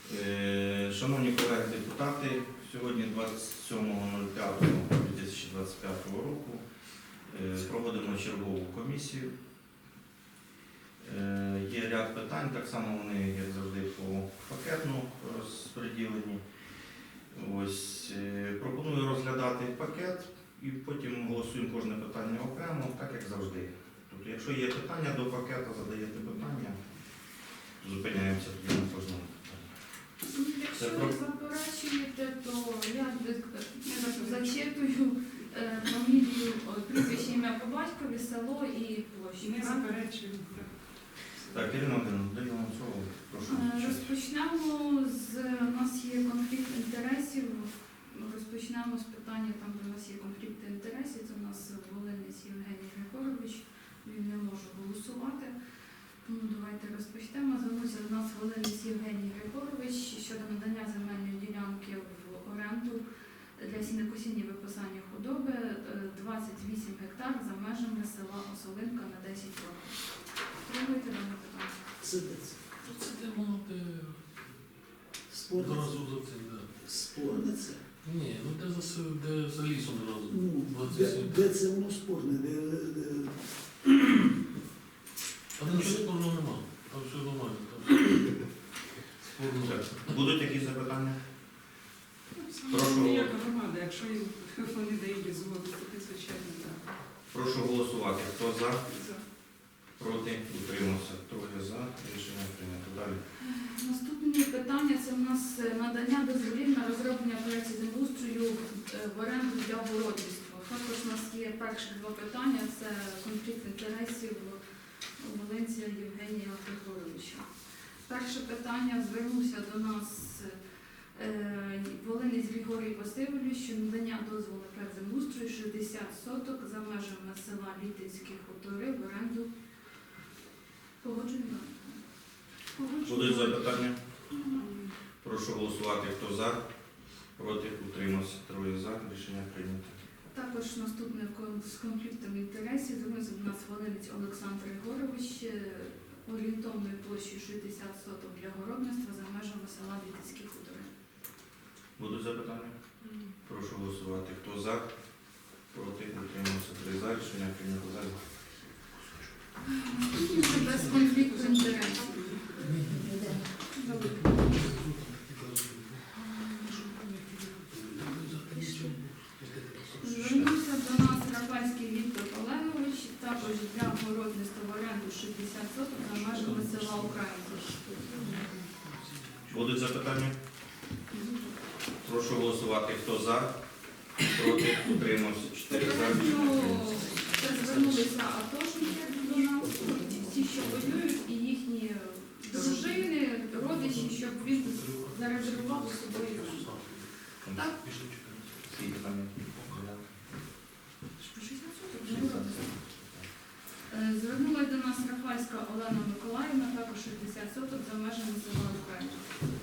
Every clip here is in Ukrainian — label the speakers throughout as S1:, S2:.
S1: Шановні колеги депутати, сьогодні 27.05.2025 року проводимо чергову комісію. Є ряд питань, так само вони, як завжди, по пакетну розподілені. Пропоную розглядати пакет і потім голосуємо кожне питання окремо, так як завжди. Тобто, якщо є питання до пакету, задаєте питання, зупиняємося тоді на кожному питанні.
S2: Якщо ви заперечуєте, то я зачитую фамілію, прізвище, ім'я по батькові, село і площу.
S3: Не заперечуємо.
S1: Так, Ірина Володимирівна, даю вам слово. Прошу.
S2: Розпочнемо у нас є конфлікт інтересів. Розпочнемо з питання, там де у нас є конфлікт інтересів. Це у нас Волинець Євгеній Григорович. Він не може голосувати. Тому давайте розпочнемо. Звернувся до нас Волинець Євгеній Григорович щодо надання земельної ділянки в оренду для сінокосіння і випасання худоби 28 гектар за межами села Осолинка на 10 років. Пробуйте дане питання.
S4: Це
S5: Це воно
S4: спорне.
S5: одразу за цим, да.
S4: Спорне це.
S5: Ні, ну де за лісом одразу.
S4: Ну,
S5: 27.
S4: де це воно спорне?
S5: Там нічого спорного нема. Там все нормально. Спорного.
S1: Будуть якісь запитання?
S3: Прошу. Ніяка громада, якщо вони дають згоду, то звичайно, так.
S1: Прошу голосувати. Хто за?
S3: За.
S1: Проти? Утримався. Троє за. Рішення прийнято. Далі.
S2: Наступне питання це у нас надання дозволів на розроблення проєктів землеустрою в оренду для городництва. Також у нас є перші два питання, це конфлікт інтересів Волинця Євгенія Григоровича. Перше питання звернувся до нас Волинець Григорій Васильович, що надання дозволу на проєкт землеустрою 60 соток за межами села Літинські хутори в оренду. Погоджуємо?
S1: Будуть запитання? Прошу голосувати. Хто за? Проти? Утримався. Троє за. Рішення прийнято.
S2: Також наступне з конфліктом інтересів звернувся до нас Волинець Олександр Григорович орієнтовною площею 60 соток для городництва за межами села Літинські хутори.
S1: Будуть запитання? Прошу голосувати. Хто за? Проти? Утримався. Три за. Рішення прийнято. Далі.
S2: Це без конфлікту інтересів. Звернувся до нас Рафальський Віктор Олегович, також для городництва в оренду 60 соток за межами села Українка.
S1: Будуть запитання? Прошу голосувати. Хто за? Проти? Утримався. Чотири за. Рішення прийнято.
S2: Це звернулися атошники до нас, ті, що воюють, і їхні дружини, родичі, щоб він зарезервував з собою. Так?
S1: Всі питання?
S2: Звернулася до нас Рафальська Олена Миколаївна, також 60 соток за межами села Україна.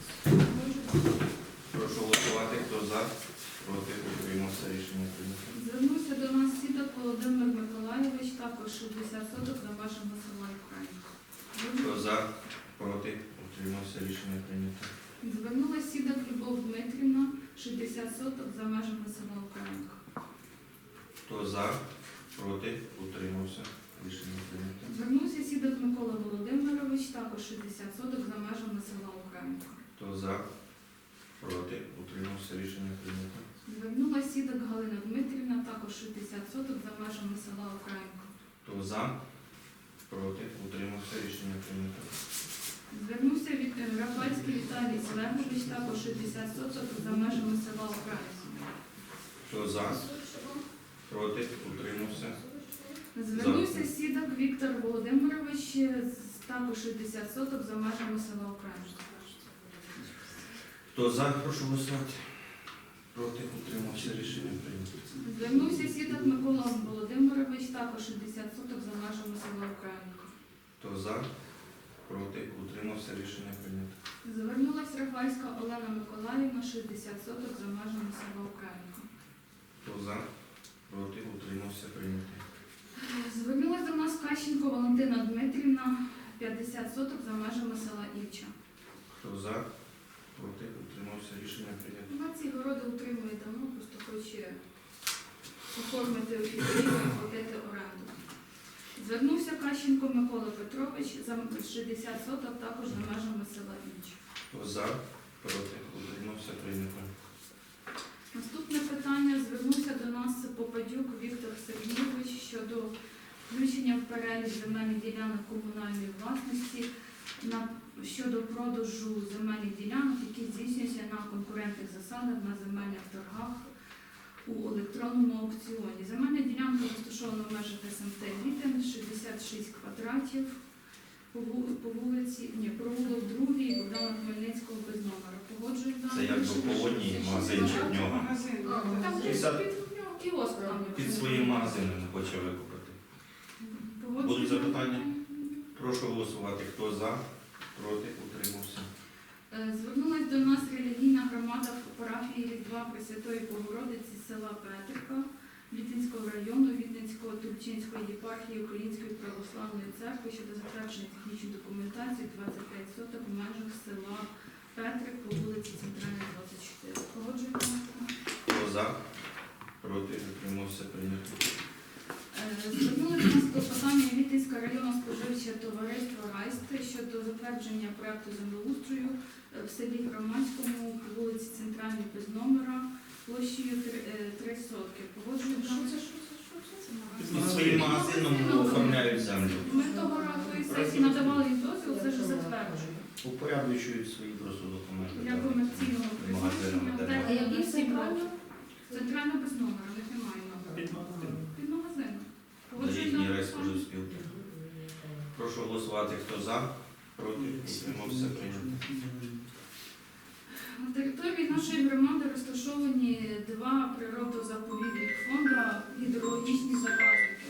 S1: Прошу голосувати. Хто за? Проти? Утримався. Рішення прийнято.
S2: Звернувся до нас Сідок Володимир Миколайович, також 60 соток за межами села Україна.
S1: Хто за? Проти? Утримався. Рішення прийнято.
S2: Звернулася Сідок Любов Дмитрівна, 60 соток за межами села Українка.
S1: Хто за? Проти? Утримався. Рішення прийнято.
S2: Звернувся Сідок Микола Володимирович, також 60 соток за межами села Українка.
S1: Хто за? Проти? Утримався. Рішення прийнято.
S2: Звернулася Сідок Галина Дмитрівна, також 60 соток за межами села Українка.
S1: Хто за? Проти? Утримався. Рішення прийнято.
S2: Звернувся Рафальський Віталій Олегович, також 60 соток за межами села Українка.
S1: Хто за? Проти? Утримався.
S2: Звернувся Сідок Віктор Володимирович, також 60 соток за межами села Українка.
S1: Хто за? Прошу голосувати. Проти? Утримався. Рішення прийнято.
S2: Звернувся Сідок Микола Володимирович, також 60 соток за межами села Українка.
S1: Хто за? Проти? Утримався. Рішення прийнято.
S2: Звернулася Рафальська Олена Миколаївна, 60 соток за межами села Українка.
S1: Хто за? Проти? Утримався. Прийнято.
S2: Звернулася до нас Кащенко Валентина Дмитрівна, 50 соток за межами села Івча.
S1: Хто за? проти, утримався, рішення прийнято.
S2: Вона ці городи утримує давно, просто хоче оформити офіційно, платити оренду. Звернувся Кащенко Микола Петрович за 60 соток також за межами села Інч.
S1: Хто за, проти, утримався, прийнято.
S2: Наступне питання. Звернувся до нас Попадюк Віктор Сергійович щодо включення в перелік земельних ділянок комунальної власності щодо продажу земельних ділянок, які здійснюються на конкурентних засадах на земельних торгах у електронному аукціоні. Земельна ділянка розташована в межах СМТ Літин, 66 квадратів по вулиці, провулок 2 Богдана Хмельницького без номера. Погоджують
S1: Це як би полонії, магазинчик в нього.
S3: Магазин.
S2: Там
S3: так.
S2: десь під нього кіоск там.
S1: Під своїм магазином не хоче викупити.
S2: Погоджують
S1: Будуть запитання?
S2: дані?
S1: Прошу голосувати. Хто за, проти, утримався.
S2: Звернулась до нас релігійна громада парафії Різдва Пресвятої Богородиці села Петрика Літинського району Відненсько-Тульчинської єпархії Української православної церкви щодо затвердження технічної документації 25 соток в межах села Петрик по вулиці Центральна, 24. Погоджуєте?
S1: Хто за, проти, утримався, прийнято.
S2: Звернулися до нас клопотання Вітинського районного споживчого товариства «Райсти» щодо затвердження проекту землеустрою в селі Громадському по вулиці Центральній без номера площею 3 сотки. Погоджують дані?
S1: Під своїм магазином оформляють землю.
S2: Ми того разу і сесії надавали їм дозвіл, це ж затверджуємо.
S1: Упорядочують свої просто документи.
S2: Для комерційного
S1: Магазинами,
S2: призначення.
S1: де
S2: Так,
S1: можна.
S2: які центрально? Центрально без номера, в них немає номера. Під магазином. Погоджують
S1: Їхній
S2: дані?
S1: райспоживспілки. Прошу голосувати. Хто за, проти, утримався, прийнято.
S2: На території нашої громади розташовані 2 природозаповідних фонди, гідрологічні заказники.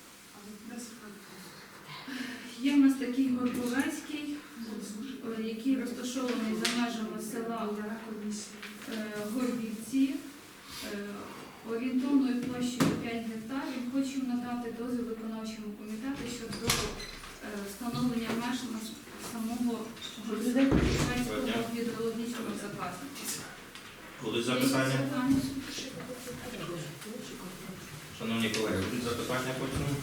S2: Є в нас такий Горбовецький, який розташований за межами села Горбівці, орієнтовною площею 5 гектарів. Хочу надати дозвіл виконавчому комітету щодо встановлення меж на самого Горбівецького гідрологічного заказника.
S1: Будуть запитання? Шановні колеги, будуть запитання по цьому?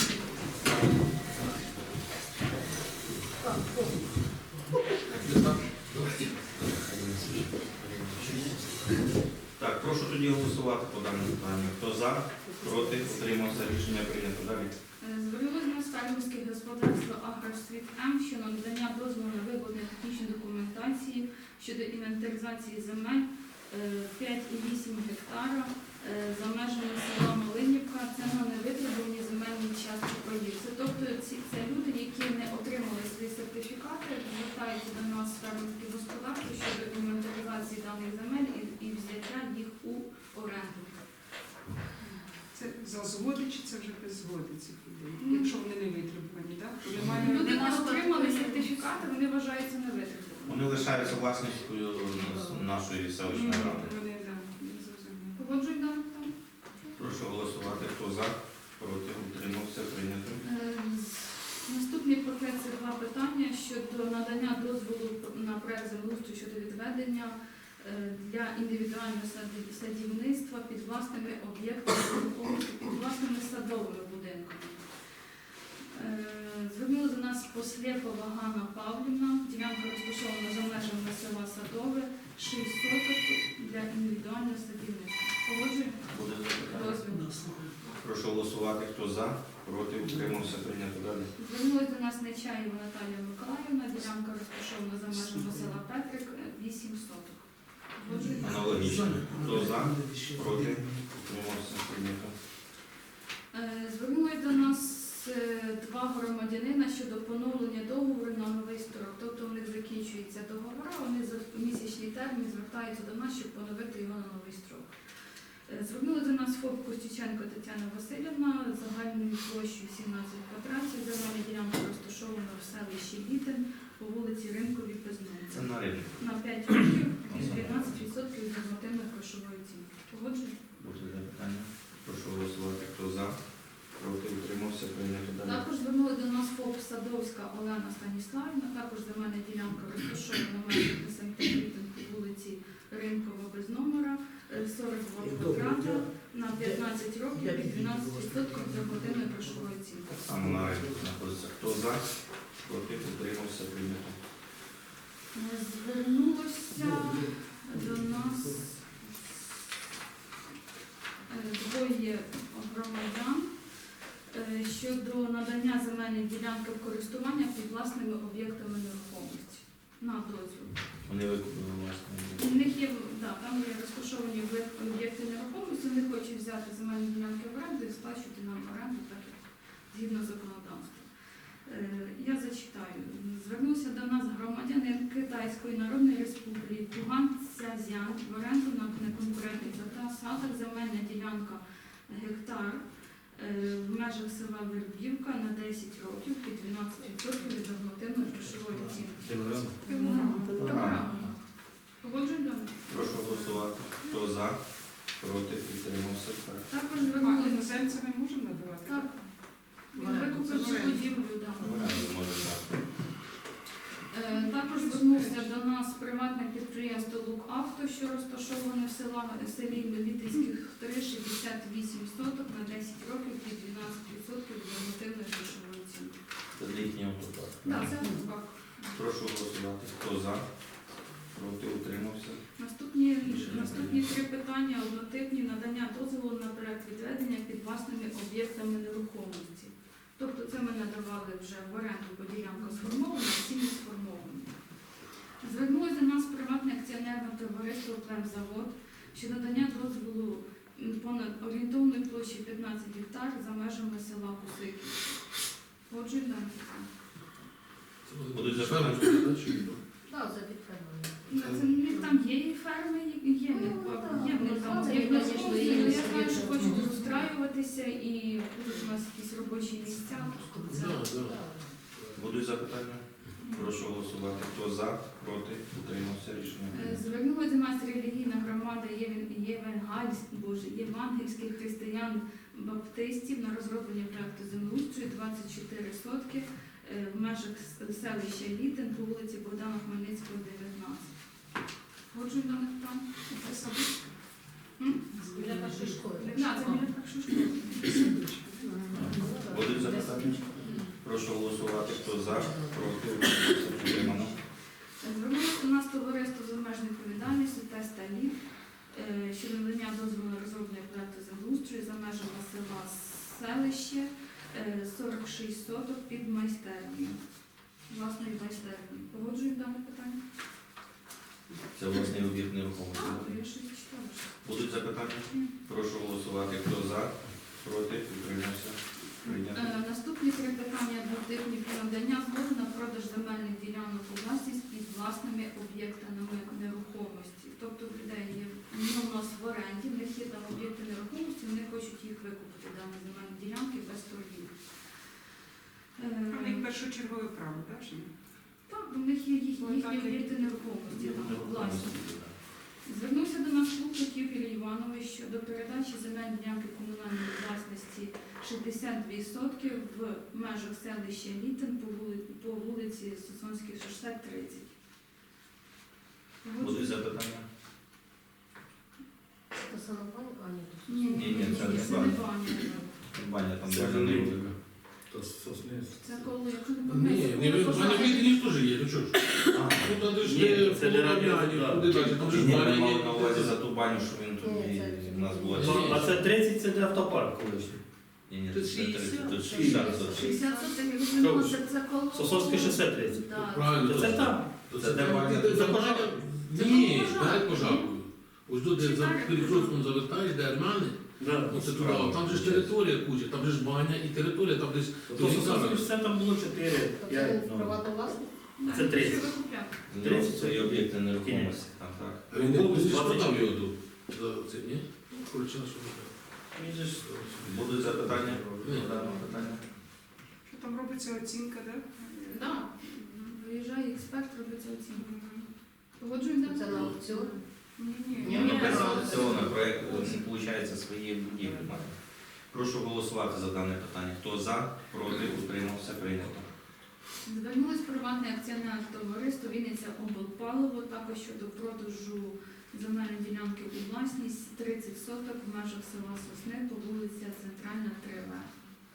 S1: Так, прошу тоді голосувати по даному питанню. Хто за, проти, утримався, рішення прийнято. Далі.
S2: Звернулося на фермерське господарство «Агросвіт М» щодо надання дозволу на виявлення технічної документації щодо інвентаризації земель 5,8 гектара за межами села Малинівка. Це на невитребувані земельні частки проїзду. Тобто це люди, які не отримали свої сертифікати, звертаються до нас фермерське господарство щодо інвентаризації даних земель і взяття їх у оренду.
S3: Це за згоди чи це вже без згоди цих людей? Якщо вони не витребувані, так?
S2: Люди не отримали сертифікати, вони вважаються невитребуваними.
S1: Вони лишаються власністю нашої селищної ради.
S3: Вони, так, не зрозуміли.
S2: Погоджують дане питання?
S1: Прошу голосувати. Хто за, проти, утримався, прийнято.
S2: Наступний пакет це 2 питання щодо надання дозволу на проект землеустрою щодо відведення для індивідуального садівництва під власними об'єктами, під власними садовими будинками. Звернули до нас Послєпова Ганна Павлівна, ділянка розташована за межами села Садове, 6 соток для індивідуального садівництва. Погоджуємо?
S1: Буде запитання?
S2: Дозвіл.
S1: Прошу голосувати. Хто за, проти, утримався, прийнято. Далі.
S2: Звернулася до нас Нечаєва Наталія Миколаївна, ділянка розташована за межами села Петрик, 8 соток. Погоджуємо?
S1: Аналогічно. Хто за, проти, утримався, прийнято.
S2: Звернулись до нас 2 громадянина щодо поновлення договору на новий строк. Тобто у них закінчується договор, вони за місячний термін звертаються до нас, щоб поновити його на новий строк. Звернули до нас ФОП Костюченко Тетяна Васильівна загальною площею 17 квадратів. Земельна ділянка розташована в селищі Літин по вулиці Ринковій без
S1: Це на ринку.
S2: на 5 років і 12% від нормативної грошової оцінки. Погоджуєте?
S1: Буде запитання. Прошу голосувати. Хто за, проти, утримався, прийнято. Далі.
S2: Також звернули до нас ФОП Садовська Олена Станіславівна, також земельна ділянка розташована в межах СМТ Літин по Звернулося до нас двоє громадян щодо надання земельної ділянки в користування під власними об'єктами нерухомості на дозвіл.
S1: Вони викупили власне.
S2: У них є, там є розташовані об'єкти нерухомості, вони хочуть взяти земельні ділянки в оренду і сплачувати нам оренду, так як згідно законодавства. Я зачитаю. Звернувся до нас громадянин Китайської Народної Республіки Ган Цзязян в оренду на неконкурентних засадах земельна ділянка гектар в межах села Вербівка на 10 років під 12% від нормативної грошової оцінки. Програма. Погоджуємо?
S1: Прошу голосувати. Хто за? Проти? Підтримався. Так.
S2: Також
S3: А
S2: звернулися.
S3: іноземцям ми можемо надавати?
S2: Так. Він
S3: Оренду.
S2: викупив цю будівлю, так.
S1: Оренду може дати.
S2: Також звернувся до нас приватне підприємство «Лукавто», що розташоване в селі Мелітинських 3, 68 соток на 10 років під 12% від нормативної грошової оцінки.
S1: Це для їхнього автопарку.
S2: Так, це так.
S1: Прошу голосувати. Хто за? Проти? Утримався.
S2: Наступні три питання однотипні: надання дозволу на проект відведення під власними об'єктами нерухомості. Тобто це ми надавали вже в оренду, бо ділянка сформована, а ці не сформовані. Звернулося до нас приватне акціонерне товариство «Племзавод» щодо надання дозволу понад орієнтовної площі 15 гектар за межами села Кусиків. Отже,
S1: Будуть
S5: запевнені,
S1: запитання?
S5: що
S6: Так, за підтримання.
S2: там є і ферми, є в них там
S6: це,
S2: є,
S6: звісно, є.
S2: я знаю, що хочуть розстраюватися і будуть у нас якісь робочі місця. Це
S1: Будуть запитання? Прошу голосувати. Хто за? Проти? Утримався. Рішення.
S2: Звернулася до нас релігійна громада євангельських християн-баптистів на розроблення проекту землеустрою 24 сотки в межах селища Літин по вулиці Богдана Хмельницького, 19. Ходжу до них там.
S3: Це садочка.
S6: Біля першої школи.
S2: Так, це біля першої школи.
S1: Будуть запитання? Прошу голосувати. Хто за? Проти? Утримався. Підтримано.
S2: Звернулося до нас товариство з обмеженою відповідальністю «Тест Алів» щодо надання дозволу на розроблення проекту землеустрою за межами села Селище 46 соток під майстерню. Власною майстерню. Погоджуємо дане питання?
S1: Це власний об'єкт нерухомості.
S2: Так,
S1: так?
S2: я щось читала.
S1: Будуть запитання? Прошу голосувати. Хто за? Проти? Утримався. Прийнято.
S2: Наступні три питання двотипні про надання згоди на продаж земельних ділянок у власність під власними об'єктами нерухомості. Тобто в людей є у нас в оренді, в них є там об'єкти нерухомості, вони хочуть їх викупити, дані земельні ділянки без торгів.
S3: У них першочергове право, так? Чи ні?
S2: Так, у них є їхні об'єкти нерухомості, там, власні. Звернувся до нас Лукник Юрій Іванович щодо передачі земельної ділянки комунальної власності 62 сотки в межах селища Літин по вулиці Сосонській шосе 30.
S1: Будуть запитання?
S6: Це саме пані? А, ні,
S1: Ні, це не
S2: це не баня.
S1: Баня там
S5: Це
S1: даже не
S5: велика.
S1: буде.
S5: То сосни.
S2: Це коли, якщо не
S5: Ні,
S2: помиляюся,
S5: в мене відділі теж є, ну що ж. Ну, там де ж
S7: Ні, це не
S5: полум'яні,
S7: радіо,
S5: куди далі, там же ж
S1: Ні, ми
S5: баня
S1: мали
S5: є.
S1: на увазі за ту баню, що він тут
S6: Ні,
S1: і
S6: це-
S1: в нас була.
S5: Ну,
S7: А це 30, це де автопарк колишній.
S1: Ні,
S5: Тут
S1: це
S5: 60.
S1: 30, тут 60 соток.
S2: 60 сотень, я розуміла, це коло...
S7: Сосонське шосе 30.
S2: Так.
S5: Правильно.
S7: Це там.
S5: То
S1: Це де баня?
S5: де
S7: Це
S5: баня?
S7: пожар.
S5: Ні,
S2: Це
S5: перед
S2: пожар.
S5: пожаркою. Ось тут, де за
S2: Чекай,
S5: перекрестком завертаєш, де армяни,
S7: Да.
S5: оце туди, там же ж територія куча, там же ж баня і територія, там десь...
S7: То Сосонське шосе там було 4,
S6: Тобто
S7: 5,
S6: він
S7: ну.
S6: приватна власність?
S7: Це 30.
S2: Що викупляв?
S1: Ну, це і об'єкти нерухомості, там так.
S5: А він
S7: Був
S5: не
S7: 24.
S5: продав його тут. За це, ні? Коротше, на що не
S7: Він же ж-
S1: Будуть запитання?
S5: Ні.
S1: По даному питанню?
S3: Що там робиться оцінка, так?
S2: Так. Виїжджає експерт, робиться оцінка. Погоджуємо
S6: Це на аукціон?
S2: Ні.
S6: Ні,
S1: Ну, без
S6: правильно.
S1: аукціону проєкт, виходить, свої будівлі має. Прошу голосувати за дане питання. Хто за, проти, утримався, прийнято.
S2: Звернулось приватне акціонерне товариство Вінниця облпаливо також щодо продажу земельної ділянки у власність 30 соток в межах села Сосни по вулиці Центральна, 3В.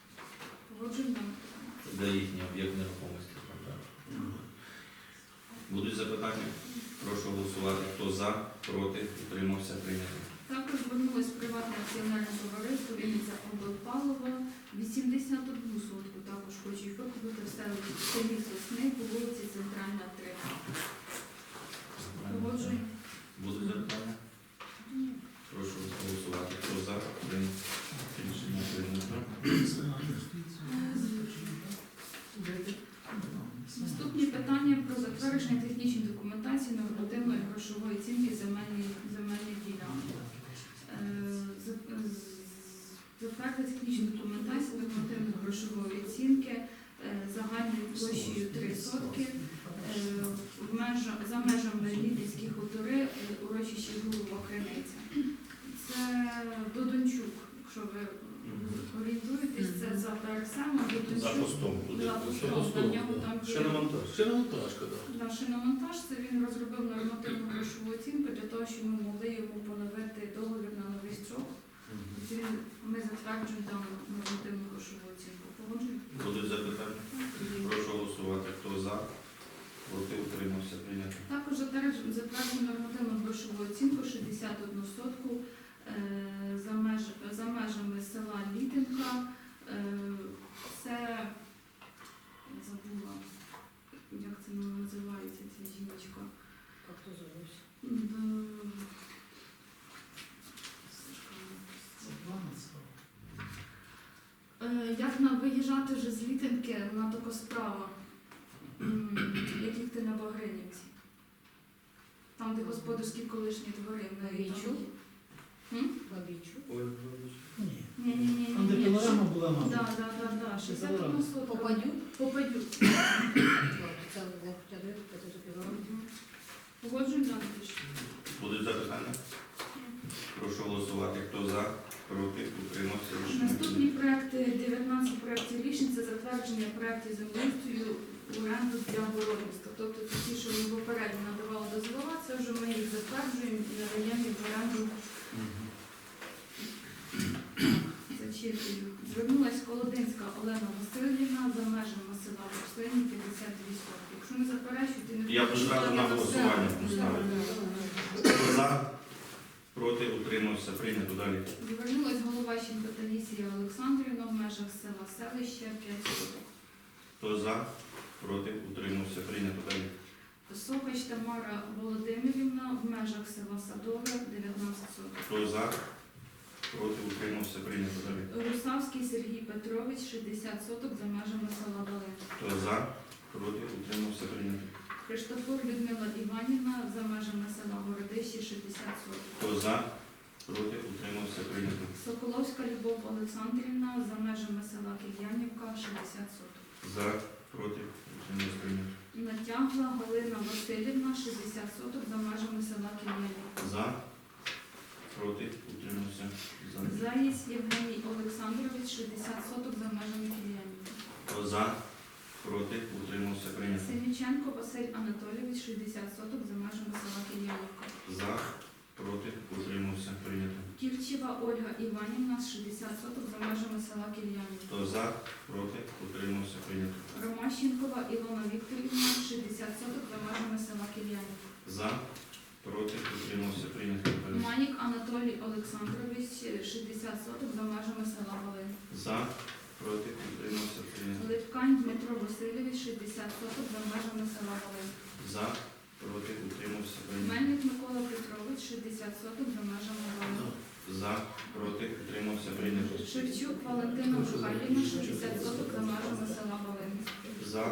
S2: Погоджуємо дане питання.
S1: Це для їхнього об'єкт нерухомості. там, так. Будуть запитання? Прошу голосувати. Хто за, проти, утримався, прийнято.
S2: Також звернулось приватне акціонерне товариство Вінниця облпалова. 81 сотку також хочуть викупити в селі Сосни по вулиці Центральна, 3. Погоджуємо.
S1: Будуть запитання? Прошу голосувати. Хто за, прийнято. Рішення прийнято.
S2: Наступні питання про затвердження технічної документації нормативної грошової оцінки земельних ділянок. Затвердити технічну документацію нормативної грошової оцінки загальною площею 3 сотки за межами Лідівські хутори, урочище Голова Криниця. Це Додончук, якщо ви орієнтуєтесь, це за ПРСМ,
S1: За
S2: Додончук.
S1: постом буде.
S2: За постом, на нього там є
S7: Шиномонтаж.
S5: Шиномонтажка, так.
S2: на шиномонтаж. Це він розробив нормативну грошову оцінку для того, щоб ми могли йому поновити договір на новий строк. Ми затверджуємо дану нормативну грошову оцінку. Погоджуємо?
S1: Будуть запитання? Прошу голосувати. Хто за, проти, утримався, прийнято.
S2: Також затверджуємо нормативну грошову оцінку 61 сотку за межами села Літинка. Це я забула, як це називається ця жіночка.
S6: Як то зовуть?
S2: Як нам виїжджати вже з Літинки, вона така справа, як їхати на Багринівці. Там, де господарські колишні двори. в неї там є.
S6: Бабічу.
S7: Ой,
S4: Ні.
S2: Ні.
S4: Там, де пилорама була, мабуть.
S2: Да. 61 сотка.
S6: Попадють?
S2: Попадють.
S6: Це не хоча б це запівали.
S2: Погоджуємо далі.
S1: Будуть запитання? Прошу голосувати. Хто за, проти, утримався, рішення
S2: Наступні
S1: прийнято.
S2: проекти, 19 проєктів рішень, це затвердження проєктів землеустрою в оренду для городництва. Тобто це ті, що ми попередньо надавали дозвола, це вже ми їх затверджуємо і надаємо їх в оренду. Зачитую. Звернулась Колодинська Олена Васильівна за межами села Руслині 52 сотки. Якщо не заперечуєте, не
S1: Я одразу на голосування поставлю. Хто за, проти, утримався, прийнято. Далі.
S2: Звернулась Головащенко Таїсія Олександрівна в межах села Селище 5 соток.
S1: Хто за, проти, утримався, прийнято. Далі.
S2: Сокач Тамара Володимирівна в межах села Садове 19 соток.
S1: Хто за, проти, утримався, прийнято. Далі.
S2: Русавський Сергій Петрович 60 соток за межами села Долин.
S1: Хто за, проти, утримався, прийнято.
S2: Христофор Людмила Іванівна за межами села Городище 60 соток.
S1: Хто за, проти, утримався, прийнято.
S2: Соколовська Любов Олександрівна за межами села Кільянівка 60 соток.
S1: За, проти, утримався, прийнято.
S2: Натягла Галина Васильівна 60 соток за межами села Кільянівка.
S1: За, проти, утримався, за.
S2: Заєць Євгеній Олександрович 60 соток за межами Кільянівки.
S1: Хто за, проти, утримався, прийнято.
S2: Синіченко Василь Анатолійович 60 соток за межами села Кільянівка.
S1: За, проти, утримався, прийнято.
S2: Кірчева Ольга Іванівна 60 соток за межами села Кільянівка.
S1: Хто за, проти, утримався, прийнято.
S2: Ромащенкова Ілона Вікторівна 60 соток за межами села Кільянівка.
S1: За, проти, утримався, прийнято.
S2: Манік Анатолій Олександрович 60 соток за межами села Волин.
S1: За, проти, утримався, прийнято.
S2: Липкань Дмитро Васильович 60 соток за межами села Волин.
S1: За, проти, утримався, прийнято.
S2: Мельник Микола Петрович 60 соток за межами Волин.
S1: За, проти, утримався, прийнято.
S2: Шевчук Валентина Михайлівна 60 соток за межами села Волин.
S1: За,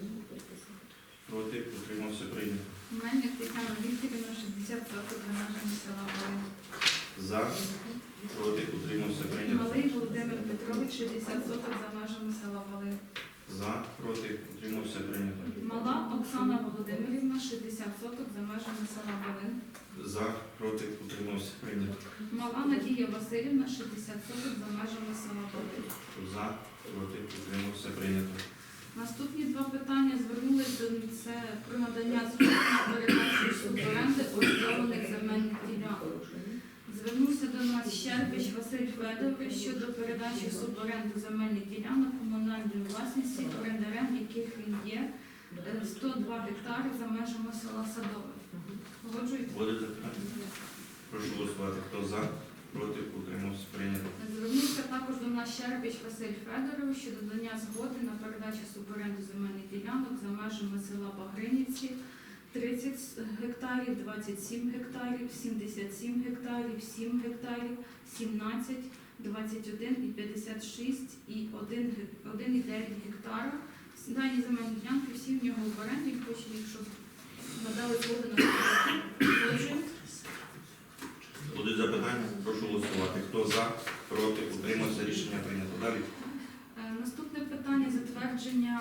S1: проти, утримався, прийнято.
S2: Мельник Тетяна Вікторівна 60 соток за межами села Волин.
S1: За, проти, утримався, прийнято.
S2: Малий Володимир Петрович 60 соток за межами села Волин.
S1: За, проти, утримався, прийнято.
S2: Мала Оксана Володимирівна 60 соток за межами села Волин.
S1: За, проти, утримався, прийнято.
S2: Мала Надія Васильівна 60 соток за межами села Волин.
S1: За, проти, утримався, прийнято.
S2: Наступні два питання звернулися до це про надання згоди на передачу суборенди орендованих земельних ділянок. Звернувся до нас Щербич Василь Федорович щодо передачі суборенду земельних ділянок комунальної власності, орендарем яких він є, 102 гектари за межами села Садове. Погоджуєте?
S1: Будете запитання? Прошу голосувати. Хто за? Проти? Утримався? Прийнято.
S2: Звернувся також до нас Щербич Василь Федорович щодо додання згоди на передачу суборенду земельних ділянок за межами села Багринівці 30 гектарів, 27 гектарів, 77 гектарів, 7 гектарів, 17, 21 і 56 і 1,9 гектара. Дані земельні ділянки всі в нього в оренді, він хоче їх, щоб надали згоду на суборенду.
S1: Будуть запитання? Прошу голосувати. Хто за? Проти? Утримався? Рішення прийнято. Далі.
S2: Наступне питання затвердження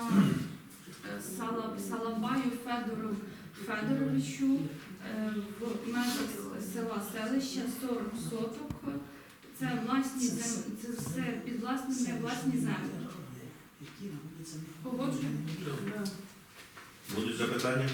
S2: Салабаю Федору Федоровичу в межах села селища 40 соток. Це власні це все під власні землі. Погоджуємо?
S1: Будуть запитання?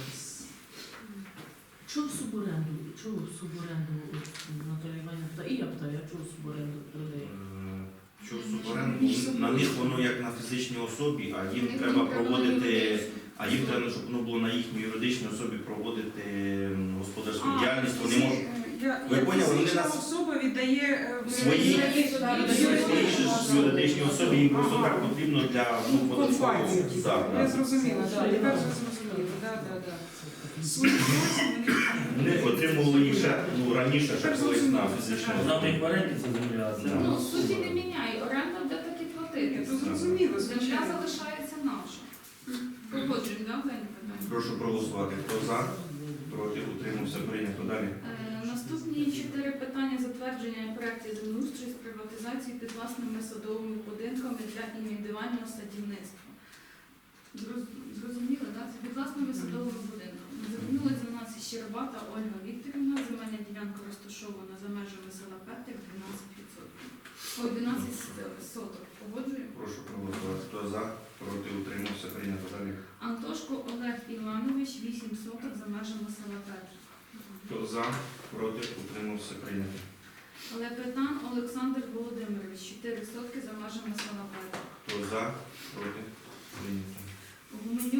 S8: Чого суборенду? Чого суборенду Наталія Іванівна питає? І я питаю, а чого суборенду передає?
S1: Що суборенду? На них воно як на фізичній особі, а їм треба проводити, а їм треба, щоб воно було на їхній юридичній особі проводити господарську діяльність. Вони можуть Ви
S3: Як
S1: поняли, вони
S3: фізична
S1: нас-
S3: особа віддає
S1: свої юридичній особі, їм просто так потрібно для
S3: компанії.
S1: Так,
S3: Я
S1: так.
S3: зрозуміла, так, тепер вже зрозуміла, так. Свої власні
S1: Вони отримували їх ще раніше, ще
S3: Так,
S1: колись на
S3: зрозуміло.
S1: фізичну
S7: Завтра
S1: особу.
S7: їх в оренді це земля.
S1: Да.
S2: Ну, суті не міняє. Оренда буде так і платити.
S3: це зрозуміло,
S2: Земля
S3: звичайно.
S2: залишається наша. Погоджуємо, так, Дані питання?
S1: Прошу проголосувати. Хто за? Проти? Утримався? Прийнято. Далі.
S2: Наступні 4 питання затвердження проєктів землеустрою з приватизації під власними садовими будинками для індивідуального садівництва. Зрозуміло, так? Це під власними садовими будинками. Звернулася до нас Щербата Ольга Вікторівна. Земельна ділянка розташована за межами села Петрик 12%. Ой, 12 соток. Погоджуємо?
S1: Прошу проголосувати. Хто за? Проти? Утримався? Прийнято. Далі.
S2: Антошко Олег Іванович 8 соток за межами села Петрик.
S1: Хто за? Проти? Утримався? Прийнято.
S2: Лепетан Олександр Володимирович 4 сотки за межами села Петрик.
S1: Хто за? Проти? Прийнято.
S2: Гуменюк